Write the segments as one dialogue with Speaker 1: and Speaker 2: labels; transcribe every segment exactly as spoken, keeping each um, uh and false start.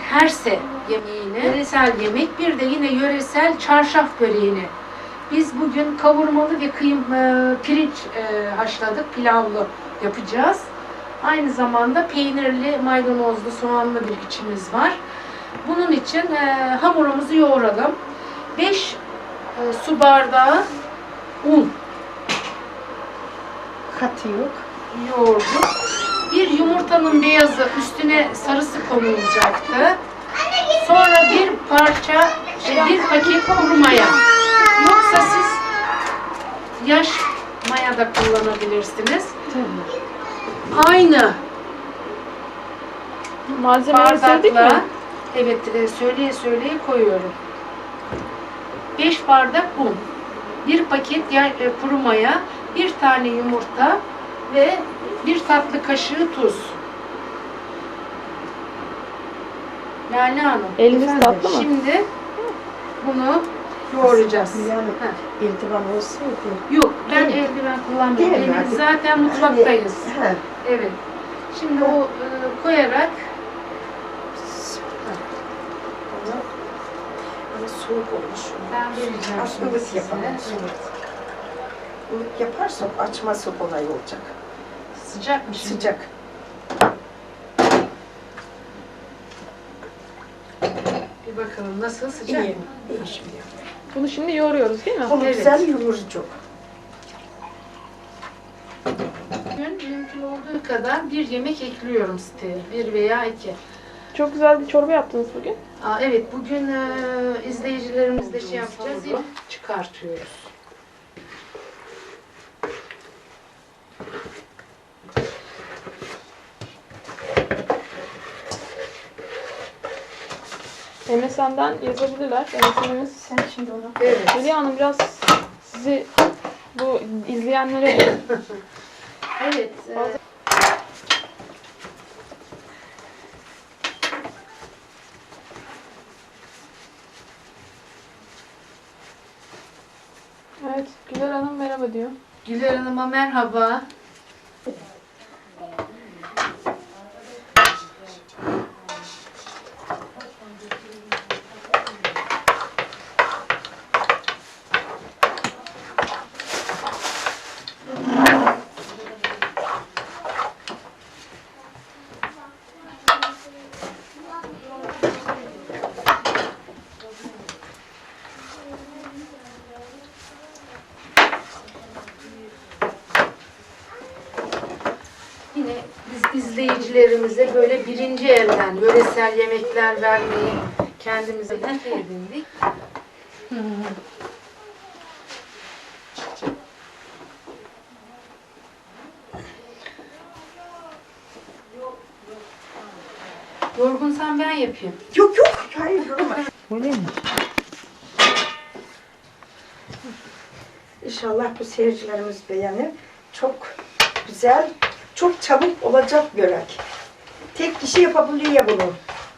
Speaker 1: herse yemeğini, yöresel yemek, bir de yine yöresel çarşaf böreğini. Biz bugün kavurmalı ve kıyım, e, pirinç e, haşladık, pilavlı yapacağız. Aynı zamanda peynirli, maydanozlu, soğanlı bir içimiz var. Bunun için e, hamurumuzu yoğuralım. beş e, su bardağı un.
Speaker 2: Katı yok.
Speaker 1: Yoğurduk. Bir yumurtanın beyazı üstüne sarısı konulacaktı. Sonra bir parça, şey, bir paket kuru maya. Yoksa siz yaş maya da kullanabilirsiniz.
Speaker 2: Tabii.
Speaker 1: Aynı
Speaker 3: Malzemeleri söyledik
Speaker 1: bardakla,
Speaker 3: mi?
Speaker 1: evet, e, söyleye söyleye koyuyorum. beş bardak un, bir paket ya, e, kuru maya, bir tane yumurta ve bir tatlı kaşığı tuz. Lale Hanım,
Speaker 3: Eliniz tatlı mı?
Speaker 1: şimdi bunu yoğuracağız.
Speaker 2: Yani
Speaker 1: Heh.
Speaker 2: eldiven olsaydı.
Speaker 1: Yok, ben
Speaker 2: Değil mi?
Speaker 1: eldiven kullanmıyorum.
Speaker 2: Değil mi?
Speaker 1: Elimiz zaten mutfaktayız.
Speaker 2: He.
Speaker 1: Evet. Şimdi o e, koyarak
Speaker 2: Ama soğuk olmuş.
Speaker 1: ben vereceğim
Speaker 2: Az
Speaker 1: şimdi
Speaker 2: ılık
Speaker 1: size.
Speaker 2: yapalım.
Speaker 1: Evet.
Speaker 2: Ilık yaparsak açması kolay olacak.
Speaker 1: Sıcak mı şimdi?
Speaker 2: Sıcak.
Speaker 1: Bir bakalım nasıl, sıcak
Speaker 2: İyi.
Speaker 1: mı?
Speaker 2: İyi şimdi.
Speaker 3: Bunu şimdi yoğuruyoruz değil mi?
Speaker 2: Bunu
Speaker 1: Evet.
Speaker 2: güzel yoğuracak.
Speaker 1: Bugün mümkün olduğu kadar bir yemek ekliyorum siteye. Bir veya iki.
Speaker 3: Çok güzel bir çorba yaptınız bugün.
Speaker 1: Aa, evet, bugün e, izleyicilerimizle şey yapacağız.
Speaker 2: Hamuru
Speaker 1: Çıkartıyoruz.
Speaker 3: M S N'den yazabilirler. M S N'imiz.
Speaker 2: Sen şimdi onu
Speaker 1: Evet.
Speaker 3: Hülya Hanım biraz sizi bu izleyenlere
Speaker 1: Evet. e,
Speaker 3: evet Güler Hanım merhaba diyor.
Speaker 1: Güler Hanım'a merhaba. Yine biz izleyicilerimize böyle birinci elden yöresel yemekler vermeyi kendimize edindik. Yorgunsan ben yapayım.
Speaker 2: Yok yok. Hayır yorma. Öyle mi? İnşallah bu seyircilerimiz beğenir. Çok güzel, çok çabuk olacak börek. Tek kişi yapabiliyor bunu.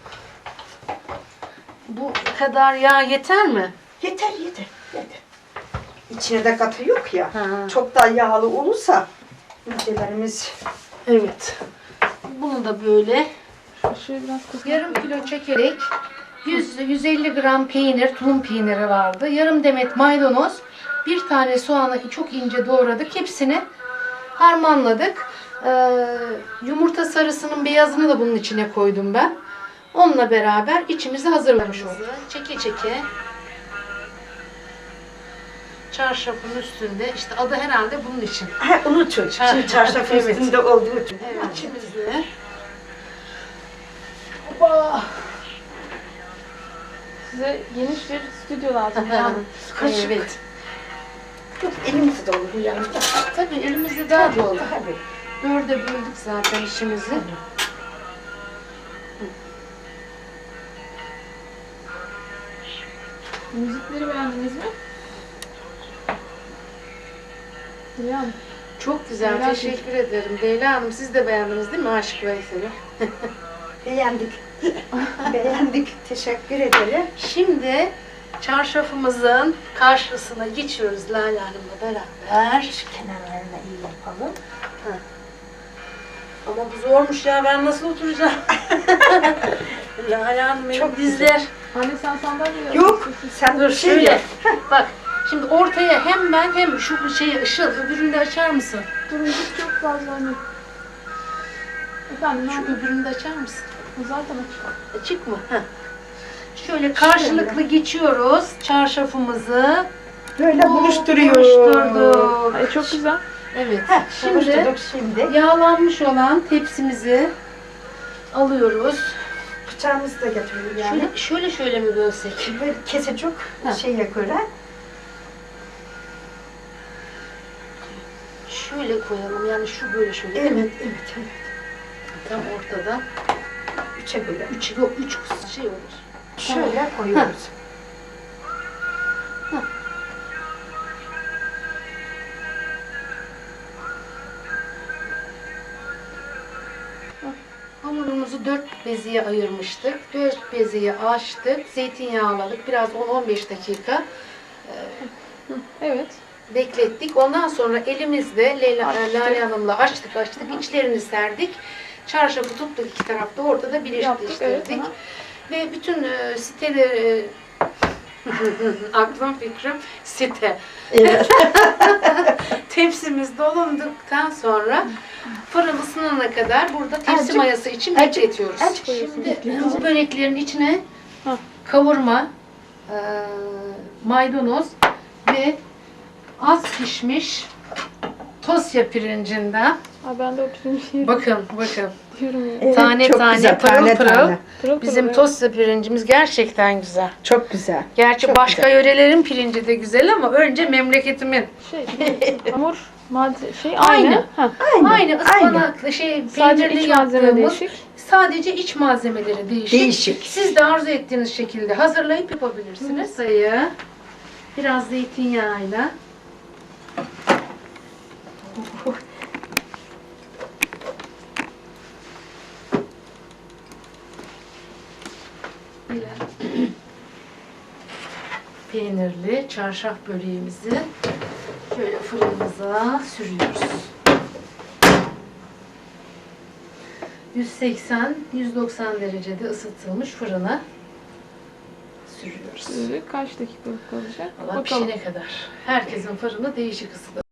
Speaker 1: Bu kadar yağ yeter mi?
Speaker 2: Yeter yeter. yeter. İçine de katı yok ya.
Speaker 1: Ha.
Speaker 2: Çok da yağlı olursa ülkelerimiz
Speaker 1: Evet. Bunu da böyle
Speaker 3: Işığı biraz kısmak.
Speaker 1: yarım kilo çekerek yüz yüz elli gram peynir, tulum peyniri vardı. Yarım demet maydanoz, bir tane soğanı çok ince doğradık. Hepsini harmanladık. Ee, yumurta sarısının beyazını da bunun içine koydum ben. Onunla beraber içimizi hazırlamış olduk. Çeke çeke çarşafın üstünde, işte adı herhalde bunun için.
Speaker 2: Ha, unutun.
Speaker 1: Ha,
Speaker 2: Şimdi çarşaf
Speaker 1: evet.
Speaker 2: üstünde olduğu için.
Speaker 1: Evet, içimizi. Hoppa!
Speaker 3: Size geniş bir stüdyo lazım. Yani.
Speaker 2: Kaşık.
Speaker 1: Evet.
Speaker 2: Yok, elimizde de olur yani.
Speaker 1: Tabii elimizde daha dolu.
Speaker 2: Tabii.
Speaker 1: Dörde böldük zaten işimizi.
Speaker 3: Müzikleri beğendiniz mi? Hülya Hanım.
Speaker 1: Çok güzel,
Speaker 3: Merak
Speaker 1: teşekkür ederim. Leyla Hanım, siz de beğendiniz değil mi Aşık Veysel'i?
Speaker 2: Beğendik. Beğendik. Teşekkür ederim.
Speaker 1: Şimdi çarşafımızın karşısına geçiyoruz Lale Hanım'la beraber.
Speaker 2: Şu kenarlarına iyi yapalım.
Speaker 1: Ama bu zormuş ya, ben nasıl oturacağım? Lale Hanım benim
Speaker 2: Çok
Speaker 1: dizler.
Speaker 3: Anne sen sandalye
Speaker 2: Yok, sen
Speaker 1: Dur
Speaker 2: şey
Speaker 1: şöyle.
Speaker 2: yap.
Speaker 1: Bak şimdi ortaya hem ben hem şu şeyi Işıl öbürünü de açar mısın?
Speaker 3: Turuncu çok fazla anne. Efendim ne
Speaker 1: Şu
Speaker 3: yapayım?
Speaker 1: öbürünü de açar mısın?
Speaker 3: Zaten açık.
Speaker 1: Açık mı? Heh. Şöyle karşılıklı geçiyoruz çarşafımızı.
Speaker 2: Böyle
Speaker 1: Oo,
Speaker 2: buluşturuyor.
Speaker 1: buluşturduk.
Speaker 3: Ay çok güzel.
Speaker 1: Evet.
Speaker 2: Heh,
Speaker 1: Şimdi
Speaker 2: buluşturduk şimdi.
Speaker 1: yağlanmış olan tepsimizi alıyoruz.
Speaker 2: Bıçağımızı da getiriyor yani.
Speaker 1: Şöyle şöyle şöyle mi bölsek?
Speaker 2: Böyle kesecek
Speaker 1: Ha.
Speaker 2: şeye göre.
Speaker 1: Şöyle koyalım yani şu böyle şöyle. değil mi?
Speaker 2: Evet, evet, evet.
Speaker 1: Tam ortada.
Speaker 2: Üçe böyle.
Speaker 1: Üç yok üç şey olur.
Speaker 2: Şöyle koyuyoruz.
Speaker 1: Hamurumuzu dört beziye ayırmıştık. Dört beziye açtık. Zeytinyağladık. Biraz on on beş dakika
Speaker 3: Evet.
Speaker 1: beklettik. Ondan sonra elimizle Leyla,
Speaker 3: Açtık.
Speaker 1: Lale Hanım'la açtık açtık. İçlerini serdik. Çarşafı tuttuk iki tarafta. Ortada
Speaker 3: Yaptık, evet,
Speaker 1: birleştirdik.
Speaker 3: aha.
Speaker 1: Ve bütün e, siteleri aklım fikrim site.
Speaker 2: Evet.
Speaker 1: Tepsimiz dolunduktan sonra fırın ısınana kadar burada tepsi
Speaker 2: Azıcık-
Speaker 1: mayası için
Speaker 2: azıcık-
Speaker 1: bekletiyoruz.
Speaker 2: azıcık
Speaker 1: Şimdi bu böreklerin içine
Speaker 3: Ha.
Speaker 1: kavurma, e, maydanoz ve az pişmiş Tosya pirincinden.
Speaker 3: Aa, ben de o pirinci yerim.
Speaker 1: Bakın bakın.
Speaker 3: Diyorum ya.
Speaker 2: Evet,
Speaker 1: Tane
Speaker 2: çok
Speaker 1: tane,
Speaker 2: güzel,
Speaker 1: pırıl
Speaker 2: tane
Speaker 1: pırıl.
Speaker 2: tane.
Speaker 3: Pırıl pırıl,
Speaker 1: Bizim
Speaker 3: evet.
Speaker 1: Tosya pirincimiz gerçekten güzel.
Speaker 2: Çok güzel.
Speaker 1: Gerçi
Speaker 2: Çok
Speaker 1: başka
Speaker 2: güzel.
Speaker 1: yörelerin pirinci de güzel ama önce memleketimin.
Speaker 3: Şey, hamur, madde, şey
Speaker 1: Aynı.
Speaker 3: aynı. Ha.
Speaker 2: Aynı.
Speaker 1: Aynı ıspanaklı şey
Speaker 3: Sadece
Speaker 1: peynirli
Speaker 3: iç malzeme
Speaker 1: yaptığımız
Speaker 3: değişik.
Speaker 1: sadece iç malzemeleri değişik.
Speaker 2: Değişik.
Speaker 1: Siz de arzu ettiğiniz şekilde hazırlayıp yapabilirsiniz. Sayı biraz zeytinyağıyla peynirli çarşaf böreğimizi şöyle fırınımıza sürüyoruz. yüz seksen yüz doksan derecede ısıtılmış fırına sürüyoruz.
Speaker 3: Kaç dakika kalacak?
Speaker 1: Valla pişene kadar. Herkesin fırını değişik ısıda.